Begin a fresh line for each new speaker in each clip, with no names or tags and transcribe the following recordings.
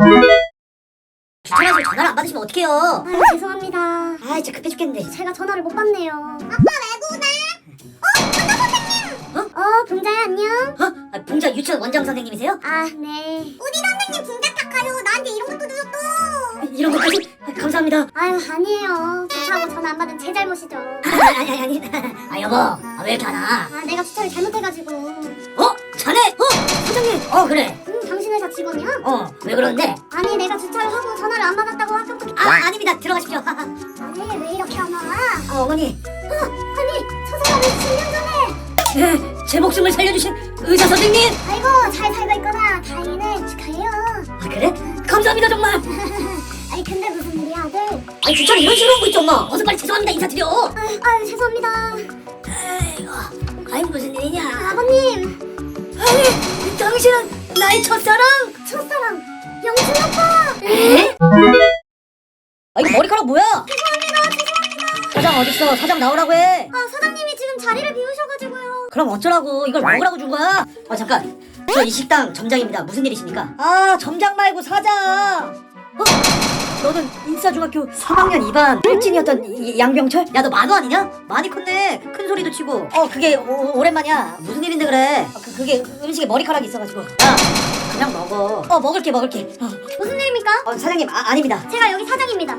주차라서 전화를 안 받으시면 어떡해요?
아유 죄송합니다.
아 진짜 급해 죽겠는데.
제가 전화를 못 받네요. 아빠 외국에? 전화 선생님! 봉자야 안녕?
아, 봉자 유치원 원장 선생님이세요?
아 네. 우리 선생님 진짜 착하요. 나한테 이런 것도 주셨어.
이런 것까지? 감사합니다.
아유 아니에요. 주차하고 전화 안 받은 제 잘못이죠.
아니. 아 여보, 왜 이렇게 안 와?
아 내가 주차를 잘못해가지고.
자네? 사장님? 그래.
당신 회사 직원이야?
왜 그러는데?
아니 내가 주차를 하고 전화를 안 받았다고 아까부터.
아닙니다. 들어가십시오.
아니 왜 이렇게 안 와?
어머니.
아니 저 사람이 7년 전에.
제 목숨을 살려주신 의사 선생님!
아이고 잘 살고 있구나. 다행이네. 축하해요.
아, 그래? 감사합니다, 정말!
아니 근데 무슨 일이야 아들?
아니, 주차를 이런 식으로 하고 있죠, 엄마! 어서 빨리 죄송합니다, 인사드려!
아유 죄송합니다.
아이고, 무슨 일이냐?
아버님
아니, 당신은 나의 첫사랑?
첫사랑 영준 아빠.
에? 이거 머리카락 뭐야? 죄송합니다. 사장 어딨어? 사장 나오라고 해!
사장님이 지금 자리를 비우셔가지고요.
그럼 어쩌라고? 이걸 먹으라고 준 거야? 잠깐! 저 이 식당 점장입니다. 무슨 일이십니까? 점장 말고 사장! 너는 인사중학교 3학년 2반 일진이었던 양병철? 야, 너 만호 아니냐? 많이 컸네. 큰 소리도 치고. 그게 오랜만이야. 무슨 일인데 그래? 그게 음식에 머리카락이 있어가지고. 야, 그냥 먹어. 먹을게.
무슨 일입니까?
사장님, 아닙니다.
제가 여기 사장입니다.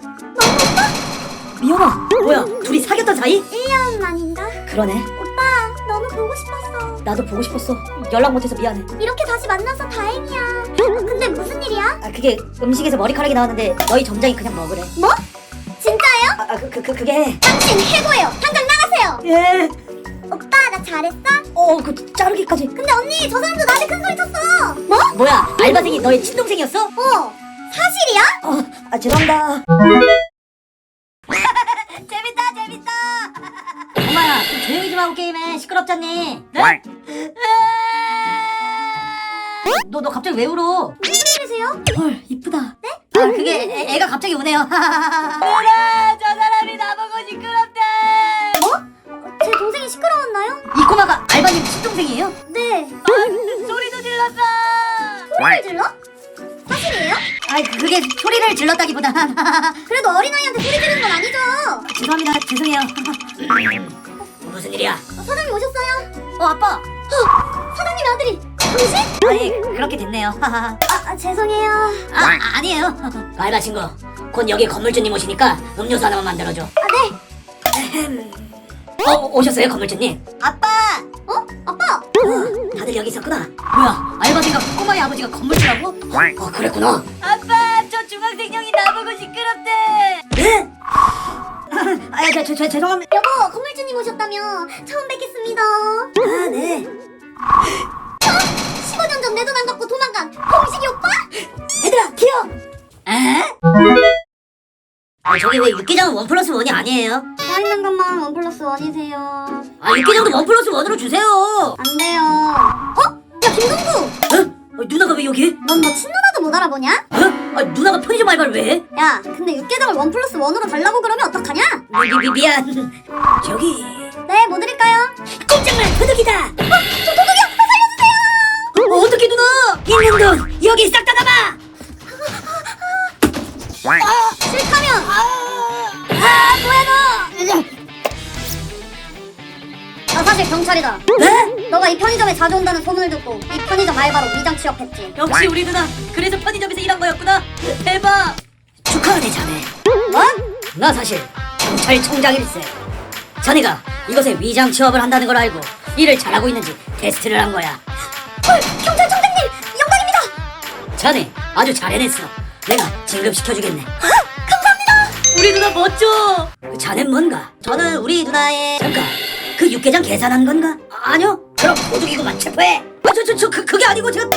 미연아, 뭐야? 둘이 사귀었던 사이?
1년 만인가?
그러네.
오빠 너무 보고 싶었어.
나도 보고 싶었어. 연락 못해서 미안해.
이렇게 다시 만나서 다행이야. 근데 무슨 일이야?
그게 음식에서 머리카락이 나왔는데 너희 점장이 그냥 먹으래.
뭐? 진짜예요?
그게.
당신 해고예요. 당장 나가세요.
예.
오빠 나 잘했어?
그 자르기까지.
근데 언니 저 사람도 나한테 큰 소리 쳤어. 뭐?
뭐야? 알바생이 너의 친동생이었어?
사실이야?
죄송합니다. 재밌다. 엄마야, 좀 조용히 좀 하고 게임해. 시끄럽잖니? 네? 너 갑자기 왜 울어?
무슨 일이세요?
헐, 이쁘다. 네? 그게 애가 갑자기 우네요. 누나, 저 사람이 나보고 시끄럽대.
제 동생이 시끄러웠나요?
이 꼬마가 알바님 친동생이에요?
네.
소리도 질렀어.
소리를 질러? 사실이에요?
그게 소리를 질렀다기보다.
그래도 어린아이한테 소리 지르는 건 아니죠?
죄송합니다. 죄송해요. 무슨 일이야?
사장님 오셨어요?
아빠.
사장님 아들이 당신?
아니, 그렇게 됐네요.
죄송해요.
아니에요. 알바 친구, 곧 여기 건물주님 오시니까 음료수 하나만 만들어줘.
네.
오셨어요, 건물주님? 아빠!
아빠!
다들 여기 있었구나. 뭐야, 알바생과 꼬마의 아버지가 건물주라고? 그랬구나. 아빠, 저 중학생 형이 나보고 시끄럽대. 네? 죄송합니다.
여보, 건물주님 오셨다며. 처음 뵙겠습니다.
네.
15년 전 내 돈 안 갚고 도망간 홍식이 오빠?
얘들아, 튀어! 저기 왜 육개장은 1+1이 아니에요?
서 있는 것만 1+1이세요.
육개장도 1+1으로 주세요.
안 돼요. 야, 김동구!
누나가 왜 여기?
넌 너 친누나도 못 알아보냐?
누나가 편의점 알바를 왜 해?
야, 근데 육개장을 1+1으로 달라고 그러면 어떡하냐?
미안. 저기.
네, 뭐 드릴까요?
꼼짝마, 도둑이다.
저 도둑이요! 살려주세요!
어떻게 누나? 있는 돈 여기 싹 다 담아.
싫다면!
뭐야 너?
나 사실 경찰이다.
네?
너가 이 편의점에 자주 온다는 소문을 듣고 이 편의점 알바로 위장 취업했지.
역시 우리 누나 그래서 편의점에서 일한 거였구나. 대박. 축하하네 자네.
뭐?
나 사실 경찰청장일세. 자네가 이곳에 위장 취업을 한다는 걸 알고 일을 잘하고 있는지 테스트를 한 거야.
경찰청장님! 영광입니다!
자네 아주 잘 해냈어. 내가 진급시켜주겠네. 감사합니다. 우리 누나 멋져. 자넨 뭔가? 저는 우리 누나의 잠깐 그 육개장 계산한 건가? 아니요. 그럼 도둑이고만 체포해. 그게 아니고 제가.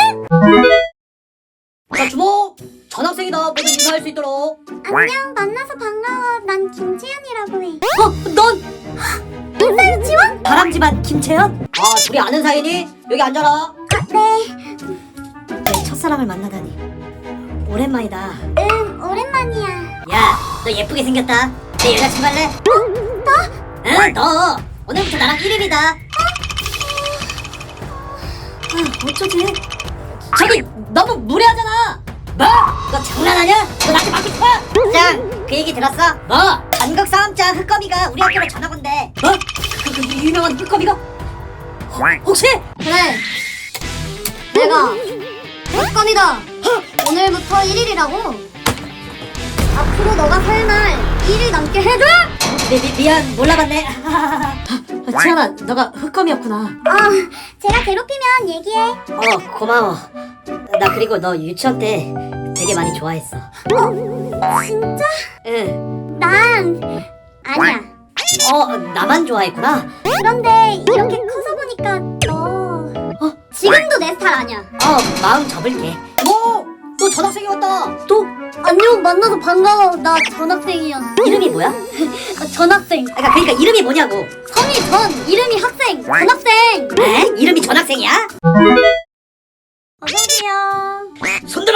자, 주모. 전학생이다. 모두 인사할 수 있도록.
안녕, 만나서 반가워. 난 김채연이라고 해.
넌
인사 유치원?
바람쥐만 김채연? 둘이 아는 사이니? 여기 앉아라.
네.
내 첫사랑을 만나다니. 오랜만이다.
오랜만이야.
야, 너 예쁘게 생겼다. 내 여자친구 할래?
너?
응, 너. 오늘부터 나랑 1일이다. 어쩌지? 저기 너무 무례하잖아. 너 장난하냐? 너 나한테 맞고 싶어? 짱, 그 얘기 들었어? 뭐? 전국 싸움장 흑거미가 우리 학교로 전학 온대. 뭐? 그 유명한 흑거미가? 혹시?
그래. 내가 흑검이다. 오늘부터 1일이라고. 앞으로 너가 살 날 1일 남게 해줘.
미안, 몰라봤네. 치아나, 너가 흑검이었구나.
제가 괴롭히면 얘기해.
고마워. 나 그리고 너 유치원 때 되게 많이 좋아했어.
진짜?
응.
난 아니야.
나만 좋아했구나.
그런데 이렇게 커서 보니까 너 지금도 내 스타일 아니야.
마음 접을게. 너 전학생이었다. 또?
안녕, 만나서 반가워. 나 전학생이야.
이름이 뭐야?
전학생.
그러니까 이름이 뭐냐고.
성이 전, 이름이 학생. 전학생.
에? 이름이 전학생이야?
어서오세요.
손들어!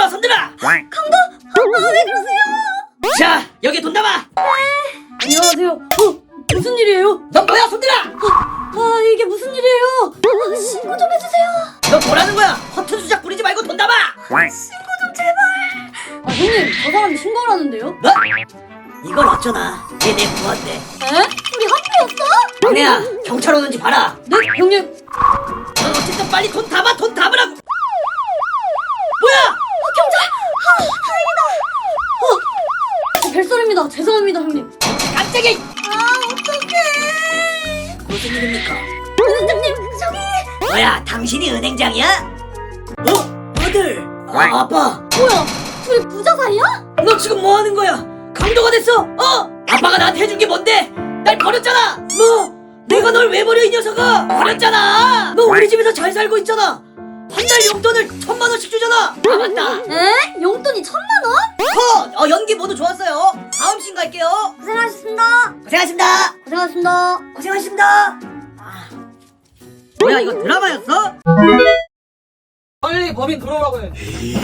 왜 그러세요?
자, 여기 돈 담아!
안녕하세요. 무슨 일이에요?
너 뭐야, 손들어!
이게 무슨 일이에요?
신고 좀 해주세요.
너 뭐라는 거야? 허튼 수작 부리지 말고 돈 담아!
형님, 저 사람이 신고를 하는데요?
뭐? 이걸 어쩌나? 얘내 부한테.
우리 학교였어?
막내야, 경찰 오는지 봐라.
네, 형님.
넌 어쨌든 빨리 돈 담아, 돈 담으라고! 뭐야?
별소리입니다. 죄송합니다, 형님.
깜짝이야!
어떡해.
무슨 일입니까?
원장님, 저기.
뭐야, 당신이 은행장이야? 아들! 아빠!
뭐야? 둘이 부자 사이야?
너 지금 뭐 하는 거야? 강도가 됐어? 아빠가 나한테 해준 게 뭔데? 날 버렸잖아! 뭐? 내가 널 왜 버려, 이 녀석아! 버렸잖아! 너 우리 집에서 잘 살고 있잖아! 한 달 용돈을 1000만원씩 주잖아! 맞다!
에? 용돈이 1000만원?
연기 모두 좋았어요! 다음 씬 갈게요!
고생하셨습니다.
고생하셨습니다!
고생하셨습니다.
고생하셨습니다! 뭐야, 이거 드라마였어?
빨리 범인 들어오라고 해.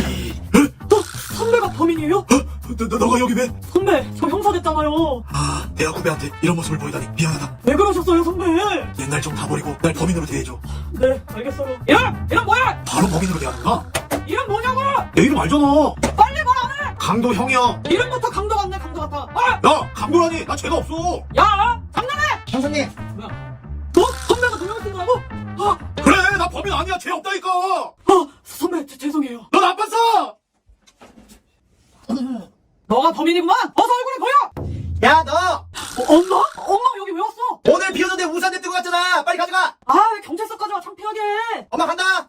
선배가 범인이에요?
너가 여기 왜?
선배, 저 형사 됐잖아요.
대학 후배한테 이런 모습을 보이다니 미안하다.
왜 그러셨어요, 선배?
옛날 좀 다 버리고 날 범인으로 대해줘.
네, 알겠어요. 이름 뭐야?
바로 범인으로 대하는가?
이름 뭐냐고?
내 이름 알잖아.
빨리 말 안 해!
강도형이야.
이름부터 강도 같네, 강도 같아.
야, 강도라니. 나 죄가 없어.
야! 장난해!
형사님.
너? 선배가 누명을 쓴 거라고?
그래, 나 범인 아니야. 죄 없다니까.
선배, 죄송해요.
너 나빴어.
너가 범인이구만! 어서 얼굴을 보여!
야, 너
엄마? 엄마 여기 왜 왔어?
오늘 비 오는데 우산 냅두고 갔잖아. 빨리 가져가.
왜 경찰서까지 와, 창피하게.
엄마 간다.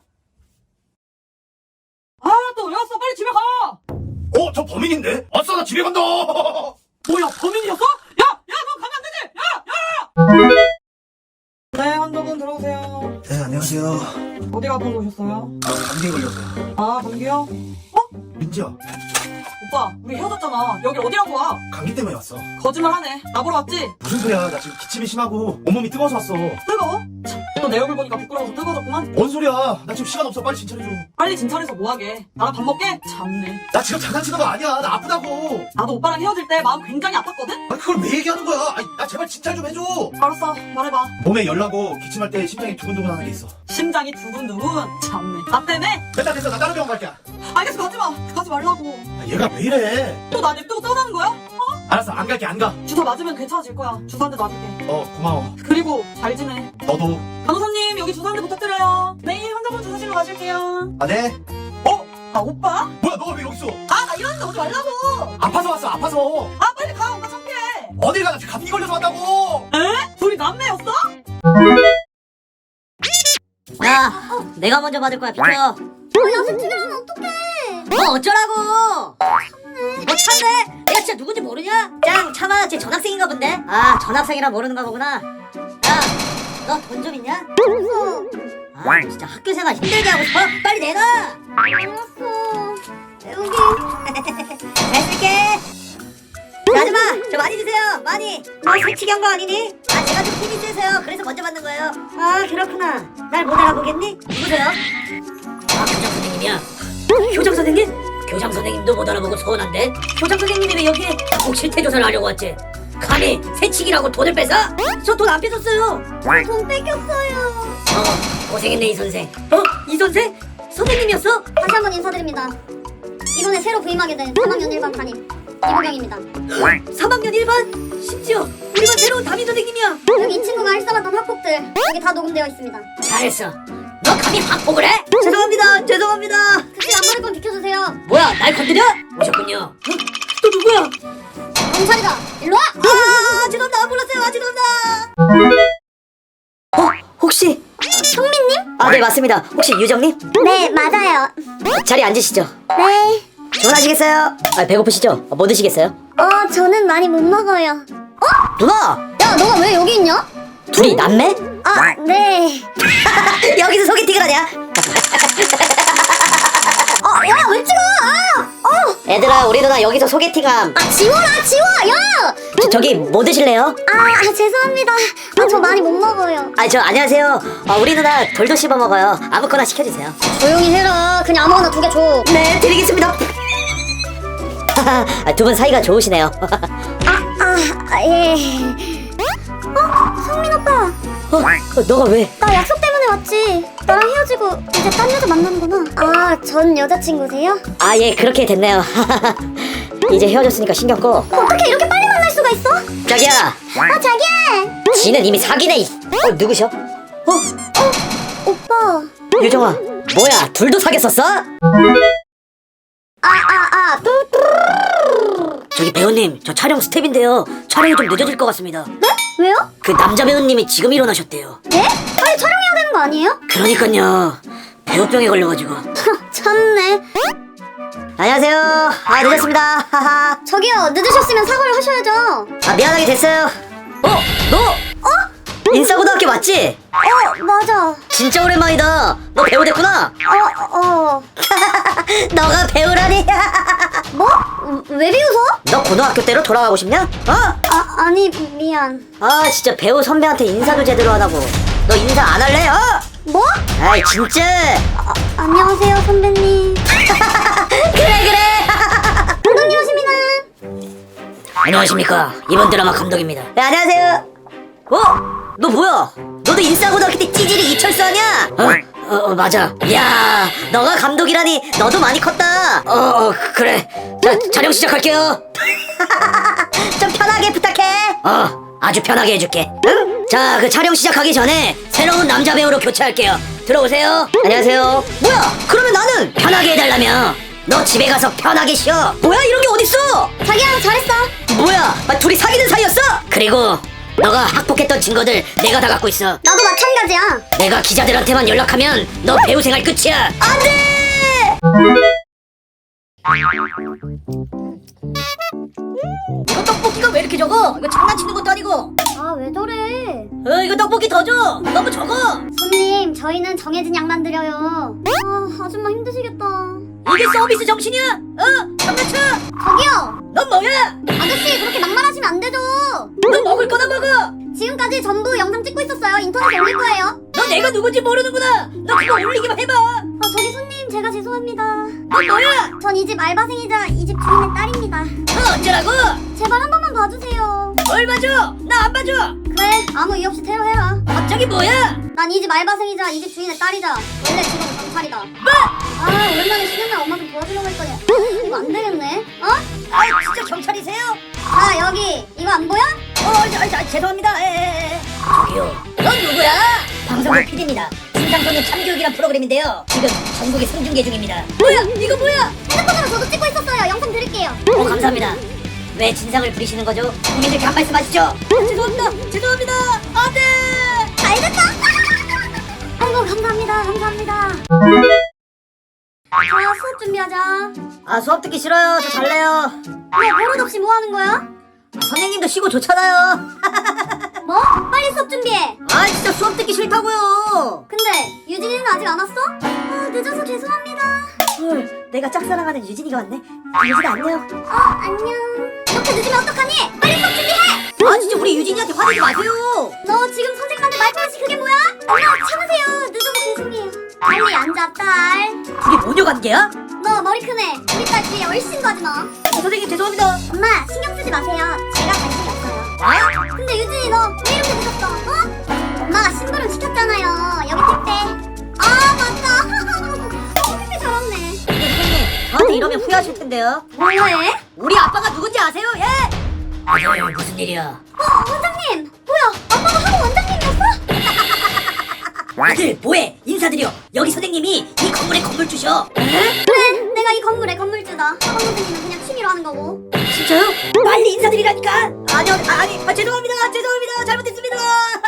또 왜 왔어? 빨리 집에 가!
저 범인인데? 아싸, 나 집에 간다.
뭐야, 범인이었어? 야, 너 가면 안 되지! 야! 네, 한두분 들어오세요.
네, 안녕하세요.
어디 가서 오셨어요?
감기에 걸렸어요.
감기요?
민지야,
오빠, 우리 헤어졌잖아. 여길 어디라고 와?
감기 때문에 왔어.
거짓말하네. 나보러 왔지?
무슨 소리야? 나 지금 기침이 심하고 온몸이 뜨거워서 왔어.
뜨거워? 참, 너 내 얼굴 보니까 부끄러워서 뜨거워졌구만.
뭔 소리야? 나 지금 시간 없어. 빨리 진찰해줘.
빨리 진찰해서 뭐하게. 나랑 밥 먹게? 참네.
나 지금 장난치는 거 아니야. 나 아프다고.
나도 오빠랑 헤어질 때 마음 굉장히 아팠거든?
그걸 왜 얘기하는 거야? 나 제발 진찰 좀 해줘.
알았어, 말해봐.
몸에 열 나고 기침할 때 심장이 두근두근 하는 게 있어.
심장이 두근두근. 참네. 나 때문에?
됐어. 나 다른 병원 갈게.
알겠어, 가지마. 가지 말라고.
얘가 왜 이래?
또 나 냅두고 떠나는 거야?
알았어, 안 갈게, 안 가.
주사 맞으면 괜찮아질 거야. 주사 한 대 놔줄게.
고마워.
그리고 잘 지내.
너도.
간호사님, 여기 주사 한 대 부탁드려요. 내일 환자분 주사실로 가실게요.
네.
오빠?
뭐야, 너가 왜 여기 있어?
나 이러는데 오지 말라고.
아파서 왔어, 아파서.
빨리 가. 오빠 창피해.
어딜 가? 나 지금 감기 걸려서 왔다고.
에? 둘이 남매였어?
야, 내가 먼저 받을 거야, 비켜.
연습 중이라면 어떡해.
어쩌라고? 뭐 참네? 내가 진짜 누군지 모르냐? 짱, 참아, 쟤 전학생인가 본데? 전학생이라 모르는가 보구나. 야, 너 돈 좀 있냐?
없어.
진짜 학교 생활 힘들게 하고 싶어? 빨리 내놔!
알았어. 여기.
잘 쓸게. 자, 아줌마, 저 많이 주세요. 많이. 너 새치기 한 거 아니니? 제가 좀 힘이 세서요. 그래서 먼저 받는 거예요. 그렇구나. 날 못 알아보겠니? 누구세요?
교장 선생님이야.
교장 선생님?
교장 선생님도 못 알아보고 서운한데?
교장 선생님이 왜 여기에?
꼭 실태조사를 하려고 왔지. 감히 새치기라고 돈을 뺏어?
저 돈 안 뺏었어요.
돈 뺏겼어요.
고생했네, 이 선생.
이 선생? 선생님이었어?
다시 한번 인사드립니다. 이번에 새로 부임하게 된 3학년 1반 담임 이보경입니다.
3학년 1반? 심지어 우리 반 새로운 담임 선생님이야.
여기 이 친구가 일삼았던 학폭들 여기 다 녹음되어 있습니다.
잘했어. 너 감히 확보를 해? 죄송합니다. 죄송합니다.
특히 안 맞을 건 비켜주세요.
뭐야, 날 건드려? 오셨군요. 어? 또 누구야?
경찰이다. 일로 와.
아, 죄송합니다. 몰랐어요. 아, 죄송합니다. 혹시
성민님?
아, 네, 맞습니다. 혹시 유정님?
네, 맞아요.
자리에 앉으시죠.
네.
주문하시겠어요? 아, 배고프시죠? 뭐 드시겠어요?
저는 많이 못 먹어요.
누나!
야, 너가 왜 여기 있냐?
둘이 남매?
아, 네.
여기서 소개팅을 하냐?
야, 왜 찍어?
얘들아, 우리 누나 여기서 소개팅함.
지워라, 지워! 야!
저기 뭐 드실래요?
죄송합니다. 저 많이 못 먹어요.
아, 저 안녕하세요. 우리 누나 돌도 씹어 먹어요. 아무거나 시켜주세요.
조용히 해라. 그냥 아무거나 2개 줘.
네, 드리겠습니다. 두 분 사이가 좋으시네요.
예. 성민 오빠.
너가 왜?
나 약속 때문에 왔지. 나랑 헤어지고 이제 딴 여자 만나는구나. 전 여자친구세요?
아, 예, 그렇게 됐네요. 이제 헤어졌으니까 신경 꺼.
어떻게 이렇게 빨리 만날 수가 있어?
자기야,
자기야.
지는 이미 사귀네. 누구셔?
오빠.
유정아, 뭐야, 둘도 사귀었었어? 저기 배우님, 저 촬영 스텝인데요. 촬영이 좀 늦어질 것 같습니다.
네? 왜요?
그 남자 배우님이 지금 일어나셨대요.
네? 빨리 촬영해야 되는 거 아니에요?
그러니까요. 배우병에 걸려가지고.
참네.
안녕하세요. 늦었습니다. 하하.
저기요, 늦으셨으면 사과를 하셔야죠.
미안하게 됐어요. 너? 인싸고등학교 맞지?
맞아.
진짜 오랜만이다. 너 배우 됐구나. 너가 배우라니.
뭐? 왜 비웃어?
너 고등학교 때로 돌아가고 싶냐?
아니, 미안.
진짜 배우 선배한테 인사도 제대로 안 하고. 너 인사 안 할래?
뭐?
아이, 진짜.
안녕하세요, 선배님.
그래.
감독님이십니다.
안녕하십니까. 이번 드라마 감독입니다. 네, 안녕하세요. 너 뭐야? 너도 인싸고등학교 때 찌질이 이철수 아냐? 맞아. 야, 너가 감독이라니. 너도 많이 컸다. 그래. 자, 촬영 시작할게요. 좀 편하게 부탁해. 아주 편하게 해줄게. 응? 자, 그 촬영 시작하기 전에 새로운 남자 배우로 교체할게요. 들어오세요. 안녕하세요. 뭐야? 그러면 나는 편하게 해달라며. 너 집에 가서 편하게 쉬어. 뭐야, 이런 게 어딨어?
자기야, 잘했어.
뭐야? 둘이 사귀는 사이였어? 그리고 너가 학폭했던 증거들 내가 다 갖고 있어.
나도 마찬가지야.
내가 기자들한테만 연락하면 너 배우 생활 끝이야. 안돼! 이거 떡볶이가 왜 이렇게 적어? 이거 장난치는 것도 아니고.
왜 저래?
이거 떡볶이 더 줘. 너무 적어.
손님, 저희는 정해진 양만 드려요. 아줌마 힘드시겠다.
이게 서비스 정신이야? 장난쳐?
저기요!
넌 뭐야?
아저씨, 그렇게 막말하시면 안 되죠.
너 먹을 거나 먹어.
지금까지 전부 영상 찍고 있었어요. 인터넷에 올릴 거예요.
너 내가 누군지 모르는구나. 너 그거 올리기만 해봐.
저기 손님, 제가 죄송합니다.
넌 뭐야?
전 이 집 알바생이자 이 집 주인의 딸입니다.
어쩌라고?
제발 한 번만 봐주세요.
뭘 봐줘? 나 안 봐줘.
그래, 아무 이유 없이 테러해라.
갑자기 뭐야?
난 이 집 알바생이자 이 집 주인의 딸이자 원래 직업은 경찰이다. 오랜만에 쉬는 날 엄마 좀 도와주려고 했더니 이거 안 되겠네.
진짜 경찰이세요?
자, 여기 이거 안 보여?
죄송합니다. 저기요. 넌 누구야? 방송국 PD입니다. 신상소년 참교육이란 프로그램인데요. 지금 전국에 생중계 중입니다. 뭐야? 이거 뭐야?
핸드폰으로 저도 찍고 있었어요. 영상 드릴게요.
감사합니다. 왜 진상을 부리시는 거죠? 국민들께 한 말씀 하시죠. 죄송합니다. 안 돼!
잘 됐다. 아이고, 감사합니다. 자, 수업 준비하자.
수업 듣기 싫어요. 저 잘래요.
너 버릇없이 뭐 하는 거야?
선생님도 쉬고 좋잖아요.
뭐? 빨리 수업 준비해.
진짜 수업 듣기 싫다고요.
근데 유진이는 아직 안 왔어? 늦어서 죄송합니다.
헐, 내가 짝사랑하는 유진이가 왔네. 유진아, 안녕.
안녕. 이렇게 늦으면 어떡하니? 빨리 수업 준비해.
진짜 우리 유진이한테 화내지 마세요.
너 지금 선생님한테 말버릇이 그게 뭐야? 엄마, 참으세요. 늦어서 죄송해요. 빨리 앉아, 딸.
그게 모녀 관계야?
너 머리 크네. 우리 딸 뒤에 얼씬도 하지 마.
선생님 죄송합니다.
엄마, 신경 쓰지 마세요. 제가 관심이 없어요. 근데 유진이 너 왜 이렇게 늦었어? 엄마가 심부름 시켰잖아요. 여기 택배. 맞다. 택배 잘왔네.
선생님, 저한테 이러면 후회하실 텐데요.
뭐해?
우리 아빠가 누군지 아세요? 예? 아니 무슨 일이야?
원장님! 뭐야? 아빠가 학원 원장님이었어?
아들 뭐해? 인사드려. 여기 선생님이 이 건물의 건물주셔.
그래, 내가 이 건물의 건물주다. 학원 선생님은 그냥 취미로 하는 거고.
진짜요? 빨리 인사드리라니까. 아니요, 죄송합니다. 잘못했습니다.